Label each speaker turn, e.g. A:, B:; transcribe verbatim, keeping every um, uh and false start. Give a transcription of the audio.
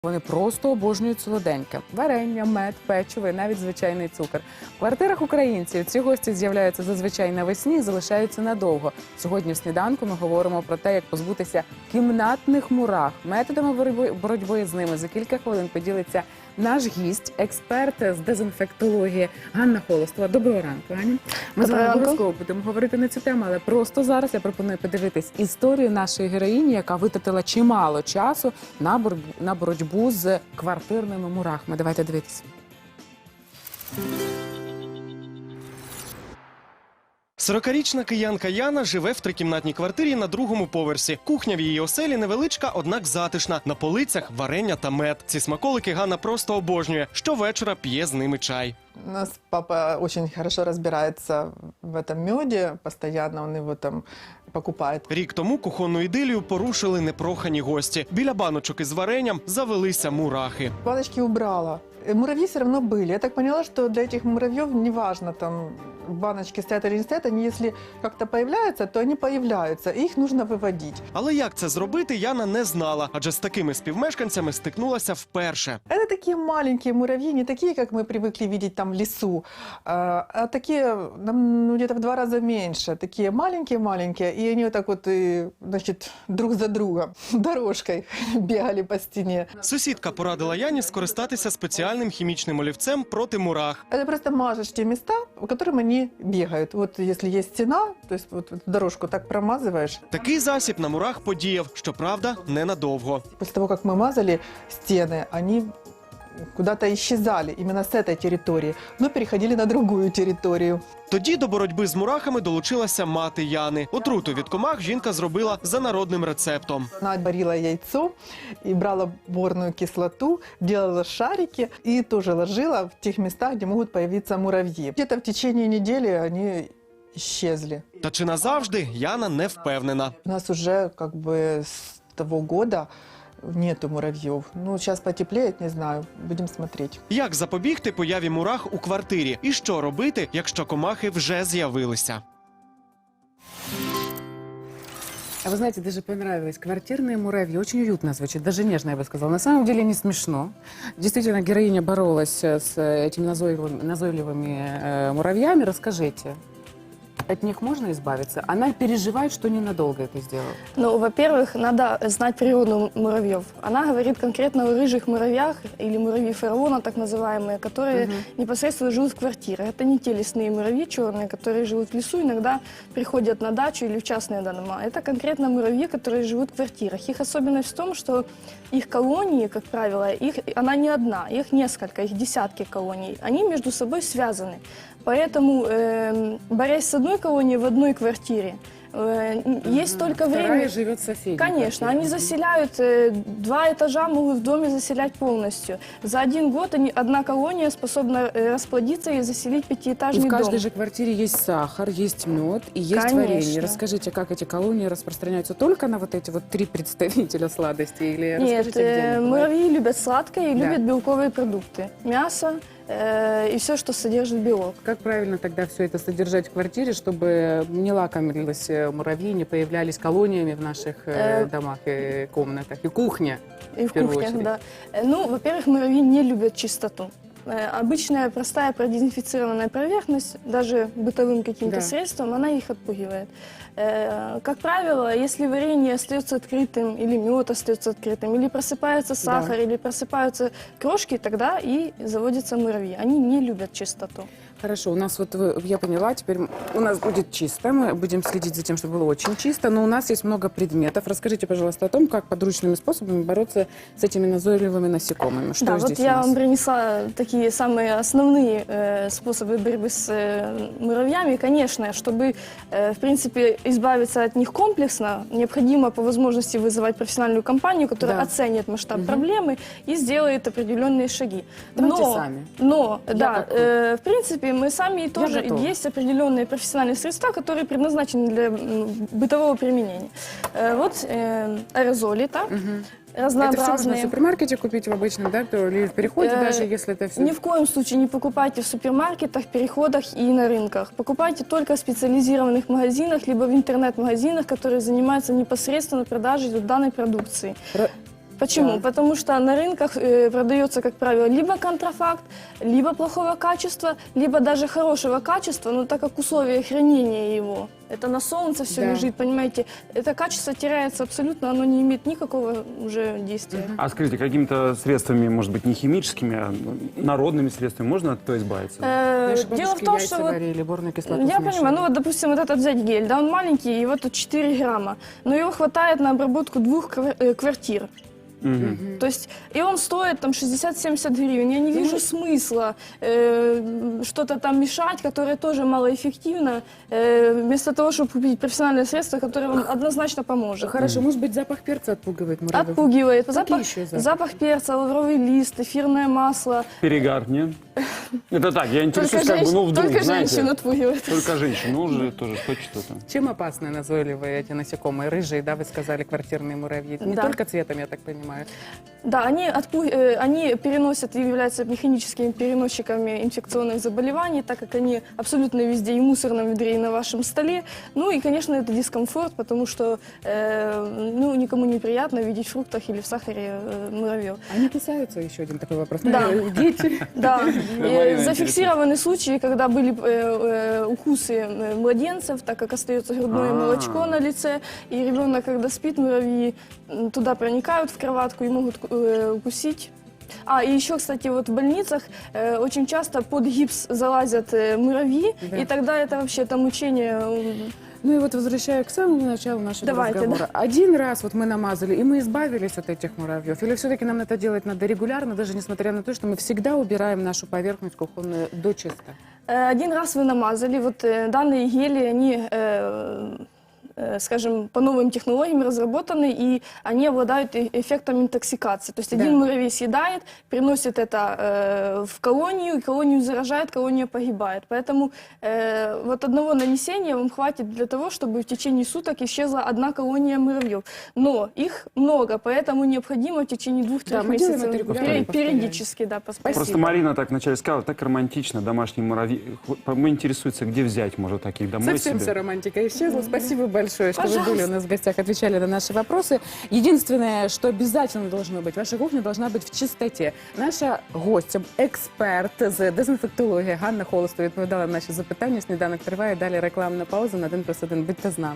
A: Вони просто обожнюють солоденьке. Варення, мед, печиво і навіть звичайний цукор. В квартирах українців ці гості з'являються зазвичай навесні і залишаються надовго. Сьогодні в сніданку ми говоримо про те, як позбутися кімнатних мурах. Методами боротьби, боротьби з ними за кілька хвилин поділиться наш гість, експерт з дезінфектології Ганна Холостова. Доброго ранку, Аня. Ми з вами обов'язково будемо говорити на цю тему, але просто зараз я пропоную подивитись історію нашої героїні, яка витратила чимало часу на боротьбу, на боротьбу з квартирними мурахами. Давайте дивитися.
B: сорокарічна киянка Яна живе в трикімнатній квартирі на другому поверсі. Кухня в її оселі невеличка, однак затишна. На полицях варення та мед. Ці смаколики Ганна просто обожнює. Щовечора п'є з ними чай.
C: У нас папа очень хорошо разбирается в этом меде, постоянно он его там покупает.
B: Рік тому кухонну ідилію порушили непрохані гості. Біля баночок із варенням завелися мурахи.
C: Баночки убрала. Муравьи все равно были. Я так поняла, что для этих муравьев неважно, там баночки стоят или не стоят, они если как-то появляются, то они появляются, и их нужно выводить.
B: Але як це зробити, Яна не знала, адже з такими співмешканцями стикнулася вперше.
C: Это такие маленькие муравьи, не такие, как мы привыкли видеть там в лесу, а, а такие, ну, где-то в два раза меньше, такие маленькие-маленькие, и они вот так вот, и, значит, друг за другом дорожкой бегали по стене.
B: Сусідка порадила Яні скористатися спеціальним хімічним олівцем проти мурах.
C: Это просто мажешь те места, по которым они бегают. Вот если есть стена, то есть вот дорожку так промазываешь.
B: Такий засіб на мурах подіяв, щоправда, ненадовго.
C: После того, как мы мазали стены, они куда-то исчезали именно с этой территории, но переходили на другую территорию.
B: Тоді до боротьби з мурахами долучилася мати Яни. Отруту від комах жінка зробила за народним рецептом.
C: Она варила яйцо и брала борную кислоту, делала шарики и тоже ложила в тех местах, где могут появиться муравьи. Где-то в течение недели они исчезли.
B: Та чи назавжди, Яна не впевнена.
C: У нас уже как бы с того года нету муравьев. Ну, сейчас потеплеет, не знаю, будем смотреть.
B: Як запобігти появі мурах у квартирі? І що робити, якщо комахи вже з'явилися?
A: А вы знаете, даже понравилось. Квартирные муравьи. Очень уютно звучит, даже нежно, я бы сказала. На самом деле не смешно. Действительно, героиня боролась с этими назойливыми, назойливыми э, муравьями. Расскажите, от них можно избавиться? Она переживает, что ненадолго это сделала.
D: Ну, во-первых, надо знать природу муравьев. Она говорит конкретно о рыжих муравьях, или муравьи фараона, так называемые, которые угу. непосредственно живут в квартирах. Это не те лесные муравьи черные, которые живут в лесу, иногда приходят на дачу или в частные дома. Это конкретно муравьи, которые живут в квартирах. Их особенность в том, что их колонии, как правило, их, она не одна, их несколько, их десятки колоний. Они между собой связаны. Поэтому, э, борясь с одной колонией в одной квартире, э, есть только время...
A: Вторая живет в соседней.
D: Конечно, они заселяют, э, два этажа могут в доме заселять полностью. За один год они, одна колония способна э, расплодиться и заселить пятиэтажный дом.
A: И в каждой же квартире есть сахар, есть мед и есть
D: Конечно.
A: варенье. Расскажите, как эти колонии распространяются только на вот эти вот три представителя сладостей? Или
D: Нет,
A: расскажите, где
D: э,
A: они бывают?
D: муравьи любят сладкое и
A: Да.
D: любят белковые продукты. Мясо э, и все, что содержит белок.
A: Как правильно тогда все это содержать в квартире, чтобы не лакомились муравьи, не появлялись колониями в наших э,
D: Э,
A: домах и комнатах? И кухня,
D: И в
A: в первую
D: кухнях,
A: очередь.
D: да. Э, Ну, во-первых, муравьи не любят чистоту. Э, Обычная простая продезинфицированная поверхность, даже бытовым каким-то
A: Да.
D: средством, она их отпугивает. Э, Как правило, если варенье остается открытым, или мед остается открытым, или просыпается сахар, или просыпаются крошки, тогда и заводятся муравьи. Они не любят чистоту.
A: Хорошо, у нас вот, вы- я поняла, теперь у нас будет чисто, мы будем следить за тем, чтобы было очень чисто, но у нас есть много предметов. Расскажите, пожалуйста, о том, как подручными способами бороться с этими назойливыми насекомыми. Что
D: Да,
A: здесь
D: вот
A: у
D: я
A: нас?
D: вам принесла такие самые основные э, способы борьбы с э, муравьями. Конечно, чтобы, э, в принципе, избавиться от них комплексно, необходимо по возможности вызывать профессиональную компанию, которая
A: Да.
D: оценит масштаб
A: Мгм.
D: проблемы и сделает определенные шаги.
A: Давайте
D: но,
A: сами.
D: Но,
A: Я
D: да,
A: как вы.
D: э, в принципе, мы сами тоже,
A: готова.
D: есть определенные профессиональные средства, которые предназначены для м, бытового применения. Э, вот э, аэрозоли, так?
A: Мгм. Это
D: Разнообразные.
A: все можно в супермаркете купить в обычном, да, то или в переходе,
D: Э,
A: даже если это все...
D: Ни в коем случае не покупайте в супермаркетах, переходах и на рынках. Покупайте только в специализированных магазинах, либо в интернет-магазинах, которые занимаются непосредственно продажей вот данной продукции. Почему?
A: Да.
D: Потому что на рынках э, продается, как правило, либо контрафакт, либо плохого качества, либо даже хорошего качества, но так как условия хранения его, это на солнце все
A: Да.
D: лежит, понимаете, это качество теряется абсолютно, оно не имеет никакого уже действия.
E: А скажите, какими-то средствами, может быть, не химическими, а народными средствами можно от этого избавиться?
D: Э,
A: Наши
D: дело
A: бабушки
D: в том,
A: яйца
D: что вот
A: варили, борную кислоту
D: я
A: смешивали.
D: понимаю, ну вот, допустим, вот этот взять гель, да, он маленький, его тут четыре грамма, но его хватает на обработку двух квар- э, квартир.
E: Мгм.
D: То есть, и он стоит там шестьдесят-семьдесят гривен. Я не вижу смысла э, что-то там мешать, которое тоже малоэффективно, э, вместо того, чтобы купить профессиональное средство, которое вам однозначно поможет.
A: Хорошо, может быть, запах перца отпугивает муравьев?
D: Отпугивает.
A: Какие
D: Запах,
A: еще запахи?
D: запах перца, лавровый лист, эфирное масло.
E: Перегар, нет? Это так, я
D: Только,
E: интересуюсь, как бы,
D: женщ-
E: ну, вдруг,
D: только
E: знаете,
D: женщин отпугивает.
E: только женщин, ну, уже тоже хоть что-то.
A: Чем опасны назойливые эти насекомые? Рыжие, да, вы сказали, квартирные муравьи. Не
D: Да.
A: только цветом, я так понимаю.
D: Да, они, отпу- э, они переносят и являются механическими переносчиками инфекционных заболеваний, так как они абсолютно везде, и в мусорном ведре, и на вашем столе. Ну и, конечно, это дискомфорт, потому что э, ну, никому не приятно видеть в фруктах или в сахаре э, муравьев.
A: Они кусаются? Еще один такой вопрос.
D: Да.
A: Ну, Дети.
D: Да,
E: Марина
D: э, зафиксированы случаи, когда были э, э, укусы э, младенцев, так как остается грудное
E: А.
D: молочко на лице, и ребенок, когда спит, муравьи м, туда проникают в кроватку и могут э, укусить. А, и еще, кстати, вот в больницах э, очень часто под гипс залазят э, муравьи,
A: Да.
D: и тогда это вообще там мучение. э,
A: Ну и вот возвращаю к самому началу нашего
D: Давайте,
A: разговора. Один раз вот мы намазали, и мы избавились от этих муравьев. Или все-таки нам это делать надо регулярно, даже несмотря на то, что мы всегда убираем нашу поверхность кухонную до чисто?
D: Э, Один раз вы намазали, вот э, данные гели, они, э, э, скажем, по новым технологиям разработаны, и они обладают э- эффектом интоксикации. То есть
A: Да.
D: один муравей съедает, приносит это э, в колонию, и колонию заражает, колония погибает. Поэтому э, вот одного нанесения вам хватит для того, чтобы в течение суток исчезла одна колония муравьев. Но их много, поэтому необходимо в течение двух-трех
A: Да, мы делаем
D: месяцев
A: это регулярно,
D: пери-
A: повторяем.
D: периодически да, поспать.
E: Просто Марина так вначале сказала, так романтично, домашние муравьи. Мы интересуется, где взять, может, таких домой
A: Совсем
E: себе.
A: вся романтика исчезла. Спасибо большое, что вы
D: Пожалуйста.
A: были у нас в гостях, отвечали на наши вопросы. Единственное, что обязательно должно быть, ваша кухня должна быть в чистоте. Наша гостя, експерт з дезінфектології Ганна Холостова відповідала на наші запитання. Сніданок триває. Далі рекламна пауза на один плюс один. Будьте з нами.